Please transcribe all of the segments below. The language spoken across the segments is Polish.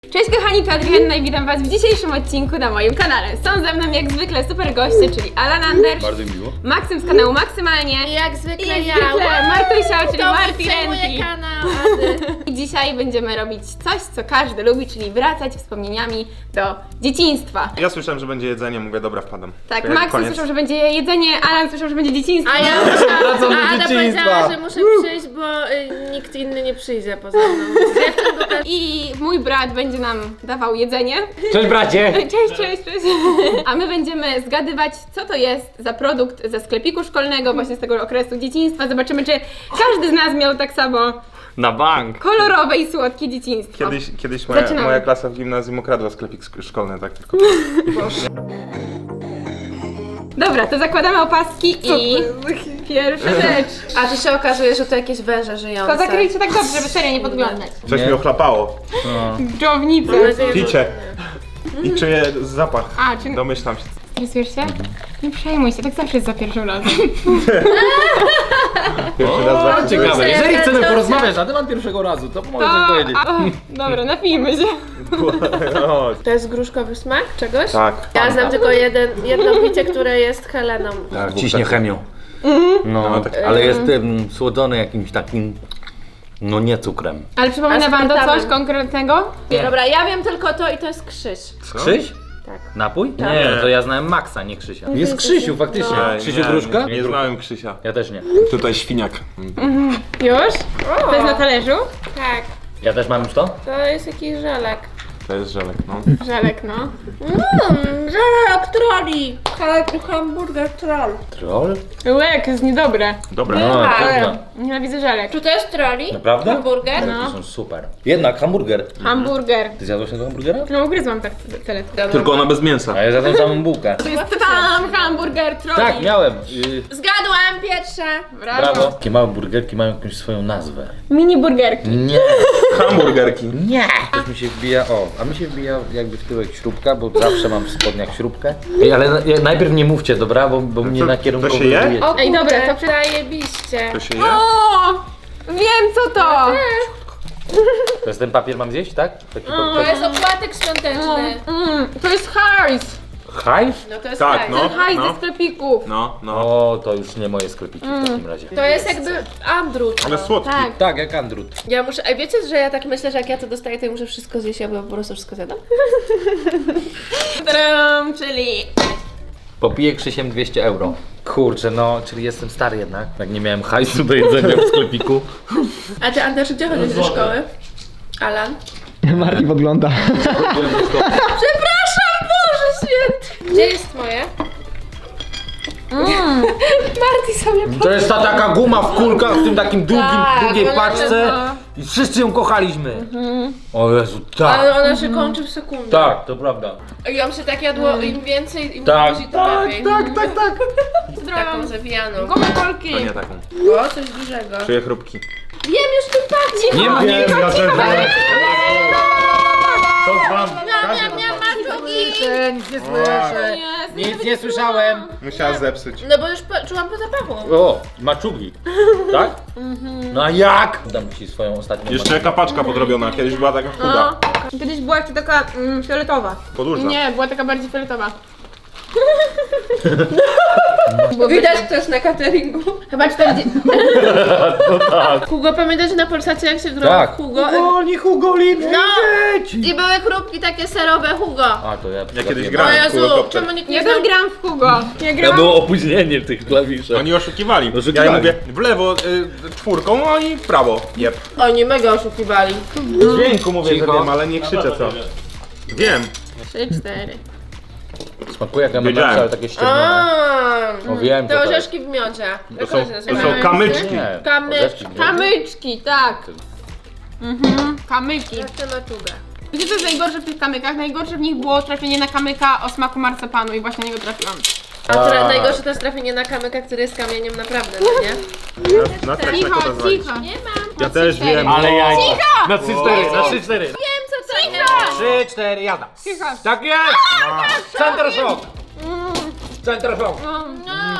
Cześć kochani, to Adrianna i witam was w dzisiejszym odcinku na moim kanale. Są ze mną jak zwykle super goście, czyli Alan Anders, Bardzo miło. Maksym z kanału Maksymalnie I jak zwykle i ja. Martusia, czyli Marti przejmuję Renti. kanał Ady. I dzisiaj będziemy robić coś, co każdy lubi, czyli wracać wspomnieniami do dzieciństwa. Ja słyszałem, że będzie jedzenie, mówię, dobra, wpadam. Tak, To jak Maksym koniec. słyszał, że będzie jedzenie, Alan słyszał, że będzie dzieciństwo. A ja Wracam do Ada dzieciństwa. powiedziała, że muszę przyjść, bo nikt inny nie przyjdzie poza mną. Z dziewczyn, bo też... I mój brat będzie nam dawał jedzenie. Cześć bracie! Cześć. A my będziemy zgadywać, co to jest za produkt ze sklepiku szkolnego, właśnie z tego okresu dzieciństwa. Zobaczymy, czy każdy z nas miał tak samo Na bank! kolorowe i słodkie dzieciństwo. Kiedyś Zaczynamy. moja klasa w gimnazjum ukradła sklepik szkolny, tak tylko. Dobra, to zakładamy opaski i pierwsza rzecz. A tu się okazuje, że to jakieś węże żyjące. To zakryjcie tak dobrze, żeby serio nie podglądać. Coś Nie. mi ochlapało. Dżownicy. Mam nadzieję, że- Picie. I czuję zapach. A, czy Domyślam się. stresujesz się? Nie przejmuj się, tak zawsze jest za pierwszym razem. Pierwszy raz O, zawsze. ciekawe, jeżeli chcemy Ciocia. porozmawiać na temat pierwszego razu, to mogę coś powiedzieć. Dobra, napijmy się. O, To jest gruszkowy smak czegoś? tak. Ja znam tylko jedno picie, które jest Heleną. Tak, ciśnie chemią. No, No, tak. ale jest słodzony jakimś takim, no nie cukrem. Ale przypomina wam to coś Aspartamem. konkretnego? Dobra, ja wiem tylko to i to jest Krzyś. Krzyś? Tak. Napój? Tak. Nie, to ja znałem Maxa, nie Krzysia. Jest Krzysiu, faktycznie. Ej, Krzysiu Gruszka? Nie znałem Krzysia. Ja też nie. Tutaj świniak. Już? To jest na talerzu? Tak, Ja też mam już to? to jest jakiś żelek. To jest żelek, no. Żelek, no. Żelek troli. Hamburger troll. Troll? Łek, jest niedobre. Dobra. No, Tak. trudno. Nienawidzę żelek. Czy to jest troli? Naprawdę? Hamburger? No. To są super. Jednak hamburger. Hamburger. Ty zjadłeś tego hamburgera? No ugryzłam tak tyle. Tylko ona bez mięsa. A ja zjadłem samą bułkę. To jest tam hamburger troli. Tak, miałem. Zgadłam pierwsze. Brawo. Takie małe burgerki mają jakąś swoją nazwę. Mini burgerki. Nie. Hamburgerki. Nie! Też mi się wbija, a mi się wbija jakby w tyłek śrubka, bo zawsze mam w spodniach śrubkę. Ej, ale najpierw nie mówcie, dobra, bo mnie na kierunku to się je? wybije. O Ej, dobra, kurde, to zajebiście. To się je? O! Wiem co to! To jest ten papier mam zjeść, tak? Taki To jest opłatek świąteczny. To jest hajs. hajs? No to jest Tak, hajs. no. Hajs ze sklepików. No. O, to już nie moje sklepiki w takim razie. To jest jakby andrut. Ale słodki. Tak. Tak, jak Andrut. Ja muszę, a wiecie, że ja tak myślę, że jak ja to dostaję, to ja muszę wszystko zjeść, bo po prostu wszystko zjadam? Tadam, czyli... Popiję Krzysiem 200 euro. Kurczę, no, czyli jestem stary jednak. Jak nie miałem hajsu do jedzenia w sklepiku. A ty, Anders, gdzie chodzisz do szkoły? Alan? Marti podgląda. Przepraszam, Boże Święty! Gdzie jest moje? Marti sobie To jest ta taka guma w kulkach, w tym takim długiej ona paczce. I wszyscy ją kochaliśmy. O Jezu, tak. Ale ona się kończy w sekundę. Tak, to prawda. I ją się tak jadło, im więcej, im Tak, później, to lepiej. tak. Taką zawijaną. Gomy kolki. To nie taką. O, coś dużego. Czuję chrupki. Wiem już ten patrz! Nie ma, nie ja też To wam. Maczugi! Nic nie słyszę. Nic nie słyszałem. Musiała zepsuć. No bo już czułam po zapachu. O, maczugi. Tak? No a jak? Dam ci swoją ostatnią Jeszcze jaka paczka podrobiona, kiedyś była taka chuda. Kiedyś była jeszcze taka fioletowa. Podłużna. Nie, była taka bardziej fioletowa. Widać, kto jest na cateringu. Chyba 40... Hugo, pamiętasz na Polsacie, jak się grał Tak. Hugo? Oni Hugo Lipski. No! I były chrupki takie serowe Hugo. A to ja Ja kiedyś O przegapiłem. grałem w Jezu, Kulokopter. czemu nikt Ja nie też znał? gram w Hugo. Ja Ja gram... było opóźnienie w tych klawiszach. Oni oszukiwali. Ja Oszukiwali. im mówię w lewo czwórką, a oni w prawo. Jep. Oni mega oszukiwali. W dźwięku mówię, Cicho. że wiem, ale nie krzyczę co. Wiem. 3, 4. Smakuje jak Wiedziałem. MMX, ale takie ściemnione. Aaa, O, wiem, te co to orzeszki w miodzie. To są kamyczki. Nie, Kamyczki. orzeszki w miodzie. Kamyczki, tak. Kamyki. Jak tę maczugę. Wiecie co jest najgorsze w tych kamykach? Najgorsze w nich było trafienie na kamyka o smaku marcepanu i właśnie na niego trafiłam. A najgorsze to jest trafienie na kamyka, który jest kamieniem naprawdę, no nie? Na tak Cicho, to rozwalić. cicho. Nie mam. Ja też wiem. Ale jajco. Cicho! Na 3-4, na 3-4. Wiem co to jest. 3-4, jada. Cicho. Tak jest! Center shock! Center shock!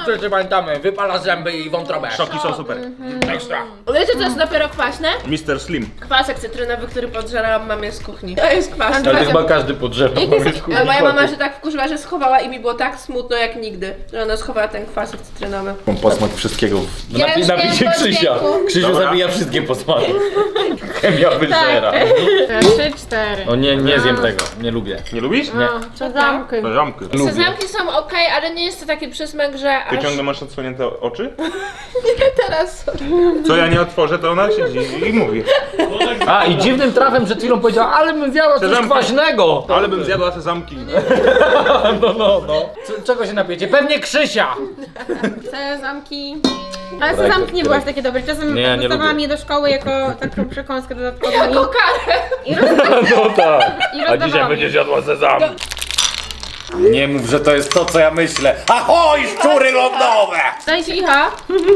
wszyscy pamiętamy, wypala zęby i wątrobę. Szoki są super. Ekstra. Wiecie co jest dopiero kwaśne? Mr. Slim. Kwasek cytrynowy, który podżerałam mamie z kuchni. To jest kwaśne. Ale to chyba każdy podrzewa. Ale moja mama się tak wkurzyła, że schowała i mi było tak smutno jak nigdy, że ona schowała ten kwasek cytrynowy. Mam posmak wszystkiego. Napicie Krzysia. Krzysiu Dobra. zabija wszystkie posmaki. Chemia wyżera. 3, 4. O nie, nie zjem tego. Nie lubię. Nie lubisz? Nie. Sezamki. Zamki. Lubię. Sezamki są okej, ale nie jest to taki przysmak, że Ty aż ciągle masz odsłonięte oczy? teraz... Co ja nie otworzę, to ona siedzi i mówi. A i dziwnym trafem przed chwilą powiedziała, ale bym zjadła coś Sezamki. kwaśnego. Ale bym zjadła te zamki. No. Czego się napijecie? Pewnie Krzysia. Sezamki. Ale sezamki nie były aż takie dobre. Czasem Nie, nie dostawałam lubię. je do szkoły jako taką przekąskę dodatkową. Jako karę! No tak. I rozdawałam je. jadła sezam. Nie mów, że to jest to, co ja myślę. Ahoj, szczury lądowe! Dajcie icha.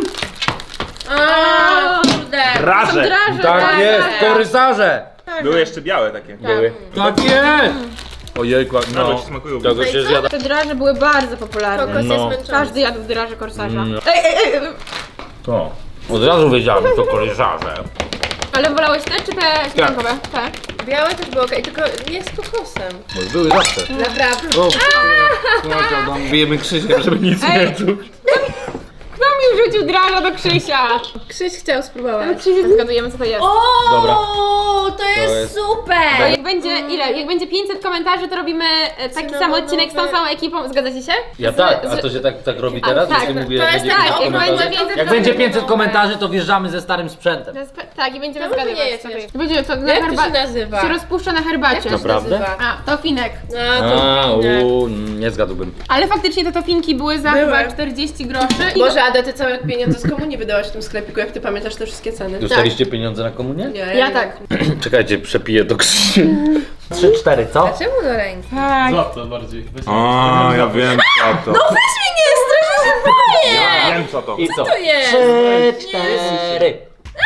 A, kurde. Raże. Draże, Tak jest, korytarze. Były jeszcze białe takie. Były. Tak jest. Ojejku, No, no. ci smakują. Tego się zjada. Te draże były bardzo popularne. Kokos No. jest męczący. Każdy jadł draże korsarza. Ej. To. Od razu wiedziałem, że to korytarze. Ale wolałeś te czy te śmietankowe? Te. Białe też było okej, tylko nie z kokosem. Bo były zawsze. Naprawdę. O, bijemy Krzysia, żeby nic nie czuł. Kto mi wrzucił draża do Krzysia? Krzyś chciał spróbować. Krzysia zgadujemy co to jest. O, Dobra. to jest jest- super! Jak będzie ile? Jak będzie 500 komentarzy, to robimy taki sam odcinek z tą samą ekipą. Zgadzacie się? Ja tak, a to się tak robi teraz? tak, Jeśli mówię, to jest będzie tak, 500 jak komentarzy. będzie 500 Jak będzie 500 komentarzy, to wjeżdżamy ze starym sprzętem. Tak, i będziemy Czemu to zgadywać. nie jest co to jeszcze? Będzie to na Jak to się herbacie. nazywa? Się rozpuszcza na herbacie. Jak to się Naprawdę? nazywa? A, tofinek. Nie zgadłbym. Ale faktycznie te tofinki były za Były. chyba 40 groszy. I Boże, Ada, ty całe pieniądze z komunii wydałaś w tym sklepiku, jak ty pamiętasz te wszystkie ceny. Dostaliście pieniądze na komunię? Nie, Ja tak. Czekajcie, przepiję to Krzysiu. 3-4, co? Czemu do ręki? Tak. Złap bardziej. A, ja wiem co to. Weź mnie, nie straszę się boję! Ja wiem co to. I co? to jest? 3-4.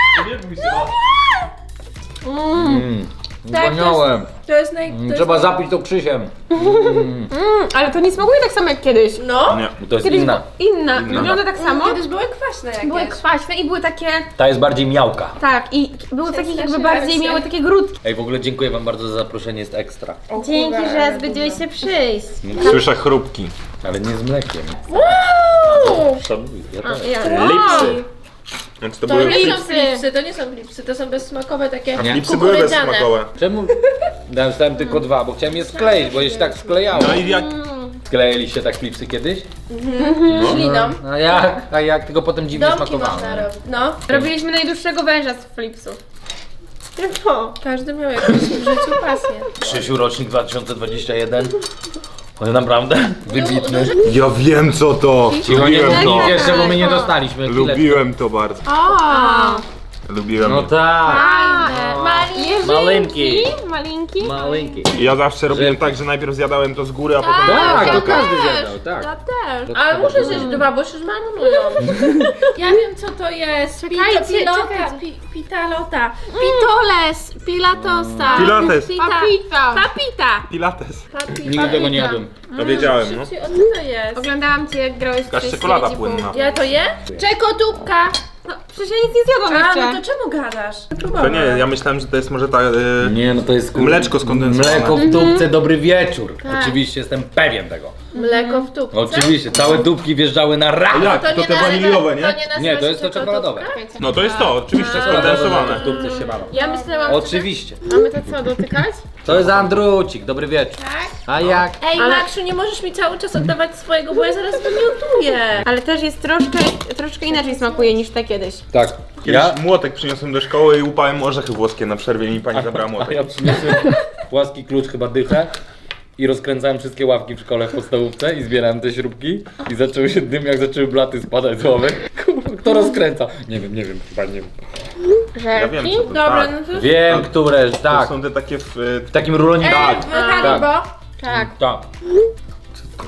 Tak, Wspaniałem. To jest naj... To Trzeba jest... zapić to Krzysiem. Ale to nie smakuje tak samo jak kiedyś. No, Nie. To jest Kiedyś inna. Inna. Wygląda tak samo. kiedyś były kwaśne jakieś. Były kwaśne i były takie. Ta jest bardziej miałka. Tak, i były takich jakby Przestraszyłam bardziej się. miały takie grudki. Ej, w ogóle dziękuję wam bardzo za zaproszenie, jest ekstra. Dzięki, że zgodziłeś się przyjść. Słyszę chrupki. Ale nie z mlekiem. Szanuję, ja też. Lipsy. Więc to To były nie są flipsy. flipsy, to nie są flipsy, to są bezsmakowe takie Nie. Flipsy były kukurydziane. bezsmakowe. Czemu? Dostałem tylko 2, bo chciałem je skleić, bo je się tak sklejało. No i jak... Skleiliście tak klipsy kiedyś? Śliną. A jak? Tylko potem dziwnie Domki smakowało. można robić. No. Robiliśmy najdłuższego węża z flipsów. Każdy miał jakąś w życiu pasję. Krzysiu, rocznik 2021. Ale naprawdę? Wybitny. Ja wiem co to. Cicho, nie Lubiłem to. mówcie jeszcze, bo my nie dostaliśmy. Chwileczkę. Lubiłem to bardzo. O! Lubiłem. No tak. Malinki. Malinki. Malinki. Ja zawsze robiłem tak, że najpierw zjadałem to z góry, a potem... Tak, ja to każdy też. zjadał, tak. Ja też. Ale muszę zjeść dwa, bo się zmarnują. Ja wiem co to jest. Czekajcie, Pilota, czekajcie. pitalota. Pitoles, pilatosa. Pilates. Papita. Papita. Pilates. Nigdy tego nie jadłem. To wiedziałem, no. O co to jest? Oglądałam cię, jak grałeś w Jakaś tej czekolada sieci płynna. Ja to je? Czekodupka. No, przecież ja nic nie zjadłam A, jeszcze. no to czemu gadasz? To nie, ja myślałem, że to jest może ta... Nie, no to jest Mleczko skondensowane. Mleko w dupce, dobry wieczór. Oczywiście, jestem pewien tego. Mleko w tubce. Oczywiście, całe dupki wjeżdżały na rak. Jak? To te waniliowe, nie? Nie, to jest to czekoladowe. No to jest to, oczywiście, skondensowane. W dupce się walą. Ja myślałam, Oczywiście. mamy to co, dotykać? To jest Andrucik, dobry wieczór. A jak? Ej, Maksiu, nie możesz mi cały czas oddawać swojego, bo ja zaraz wymiotuję. Ale też jest troszkę inaczej smakuje niż te kiedyś. Tak. Kiedyś młotek przyniosłem do szkoły i łupałem orzechy włoskie na przerwie i mi pani zabrała A młotek. ja przyniosłem płaski klucz, chyba dychę. I rozkręcałem wszystkie ławki w szkole w podstawówce i zbierałem te śrubki i zaczęły się dym, jak zaczęły blaty spadać z ławy. Kurwa, kto rozkręca? Nie wiem, chyba nie wiem. Ja wiem co to, Dobra, tak. no to... Wiem, które, To tak. są te takie w... W takim ruloniku. Haribo. Tak. Tak.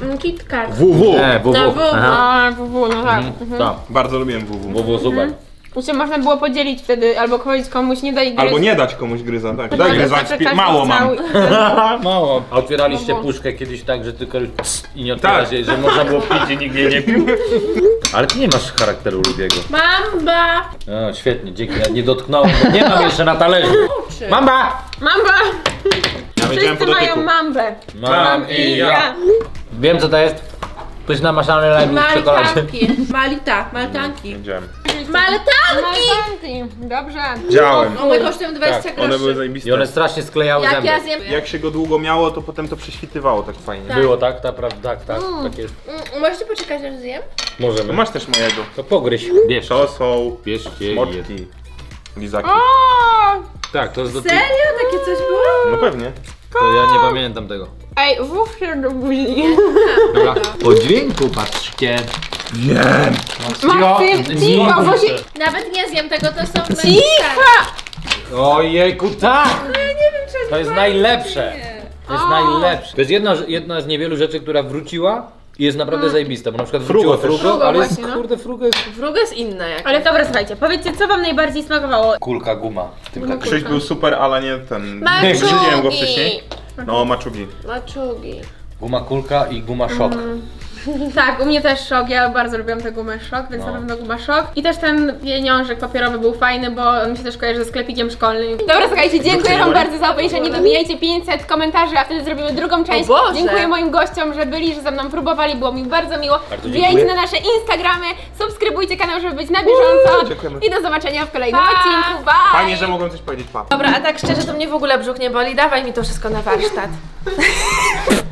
KitKat. WW. WW. No, WW. Aha. A, WW, no tak. Tak. Bardzo lubiłem WW. WW super. Jeszcze można było podzielić wtedy, albo powiedzieć komuś, nie daj gryźć. Albo nie dać komuś gryza, tak. Tak, Daj gryza, zawsze każdy mało mam. chciał i- Mało. A otwieraliście No bo- puszkę kiedyś tak, że tylko i nie otwierasz Tak. jej, że można było pić i nikt jej nie pił? Ale ty nie masz charakteru lubiego. Mamba! O, świetnie, dzięki. Ja nie dotknąłem, bo nie mam jeszcze na talerzu. Mamba! Mamba! Ja wiedziałem po Wszyscy mają dotyku. mambę. Mam i ja. Wiem co to jest. Ktoś namaszany lajmy w czekoladzie. Maltanki. Maltanki. Wiedziałem. Maltanki! Maltanki. Dobrze. Widziałem. One kosztują 20 Tak, groszy. One były I zajebiste. one strasznie sklejały Jak zęby. ja zjem... Jak się go długo miało, to potem to prześwitywało tak fajnie. Tak. Było tak, tak, tak jest. Możecie poczekać aż zjem? To Możemy. masz też mojego. To pogryź. Bierz. To są Bierzcie je. smoczki. Lizaki. O! Tak, to jest do Serio? Takie coś było? No pewnie. To ja nie pamiętam tego. Ej, włóż się do buzi. Dobra. Po dźwięku patrzcie. Wiem. Maksym, cicho, bo się... Nawet nie zjem tego, to są... Cicho! Ojejku, tak! Nie wiem, czy To jest najlepsze. To jest najlepsze. To jest jedna z niewielu rzeczy, która wróciła i jest naprawdę zajebista, bo na przykład wróciło Frugo też. frugo, ale jest, właśnie, no. kurde, frugo jest... Frugo jest inne jak. Ale dobra, słuchajcie, powiedzcie, co wam najbardziej smakowało? Kulka guma. W tym kakao. Krzyś był super, ale nie ten. Maczugi. Nie widziałem go wcześniej. No, maczugi. Maczugi. Guma kulka i guma szok. Tak, u mnie też szok, ja bardzo lubiłam tę gumę szok, więc No. na pewno guma szok. I też ten pieniążek papierowy był fajny, bo on mi się też kojarzy ze sklepikiem szkolnym. Dobra, słuchajcie, dziękuję wam bardzo za obejrzenie, dobijajcie 500 komentarzy, a wtedy zrobimy drugą część. Boże! Dziękuję moim gościom, że byli, że ze mną próbowali, było mi bardzo miło. Bardzo Wbijajcie dziękuję. na nasze Instagramy, subskrybujcie kanał, żeby być na bieżąco. Dziękujemy. I do zobaczenia w kolejnym Pa! odcinku. Bye! Fajnie, że mogłem coś powiedzieć, pa. Dobra, a tak szczerze to mnie w ogóle brzuch nie boli, dawaj mi to wszystko na warsztat.